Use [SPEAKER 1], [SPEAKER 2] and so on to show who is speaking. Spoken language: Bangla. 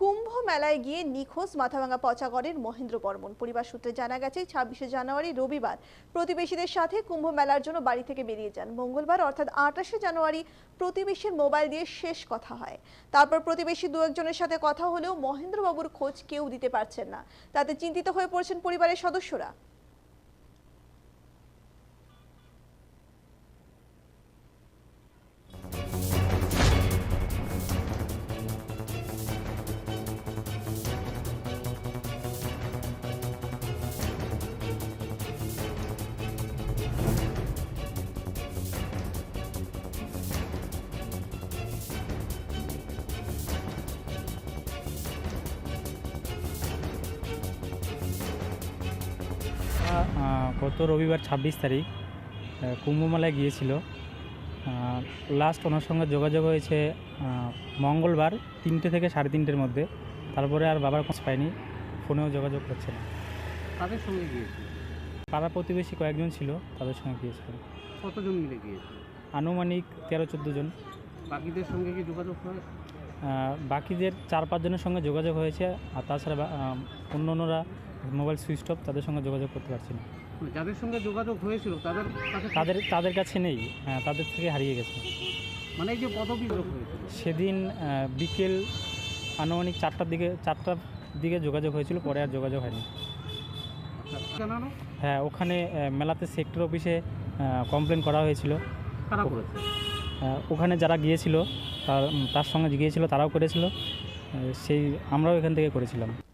[SPEAKER 1] কুম্ভ মেলায় গিয়ে নিখোঁজ মাথাভাঙা পচাগড়ের মহেন্দ্র বর্মন। পরিবার সূত্রে জানা গেছে ২৬শে জানুয়ারি রবিবার প্রতিবেশীদের সাথে কুম্ভ মেলার জন্য বাড়ি থেকে বেরিয়ে যান। মঙ্গলবার অর্থাৎ ২৮শে জানুয়ারি প্রতিবেশীর মোবাইল দিয়ে শেষ কথা হয়। তারপর প্রতিবেশী দু একজনের সাথে কথা হলেও মহেন্দ্রবাবুর খোঁজ কেউ দিতে পারছেন না। তাতে চিন্তিত হয়ে পড়ছেন পরিবারের সদস্যরা।
[SPEAKER 2] গত রবিবার ২৬ তারিখ কুম্ভমেলায় গিয়েছিল। লাস্ট ওনার সঙ্গে যোগাযোগ হয়েছে মঙ্গলবার ৩টে থেকে ৩:৩০-এর মধ্যে। তারপরে আর বাবার খোঁজ পাইনি, ফোনেও যোগাযোগ করছে না।
[SPEAKER 3] তাদের সঙ্গে গিয়েছিল?
[SPEAKER 2] পাড়া প্রতিবেশী কয়েকজন ছিল, তাদের সঙ্গে গিয়েছিলেন।
[SPEAKER 3] কতজন মিলে গিয়েছিল?
[SPEAKER 2] আনুমানিক ১৩-১৪ জন।
[SPEAKER 3] বাকিদের সঙ্গে কি যোগাযোগ হয়?
[SPEAKER 2] বাকিদের ৪-৫ জনের সঙ্গে যোগাযোগ হয়েছে, আর তাছাড়া অন্যরা মোবাইল সুইচ অফ, তাদের সঙ্গে যোগাযোগ করতে পারছি না।
[SPEAKER 3] যাদের সঙ্গে যোগাযোগ হয়েছিল
[SPEAKER 2] তাদের কাছে নেই, তাদের থেকে হারিয়ে গেছে।
[SPEAKER 3] মানে এই যে পদবি হয়েছিল
[SPEAKER 2] সেদিন বিকেল আনুমানিক ৪টার দিকে যোগাযোগ হয়েছিল, পরে আর যোগাযোগ হয়নি।
[SPEAKER 3] জানানো?
[SPEAKER 2] হ্যাঁ, ওখানে মেলাতে সেক্টর অফিসে কমপ্লেন করা হয়েছিল।
[SPEAKER 3] কারা করেছে?
[SPEAKER 2] ওখানে যারা গিয়েছিল তার সঙ্গে গিয়েছিল, তারাও করেছিল, আমরাও এখান থেকে করেছিলাম।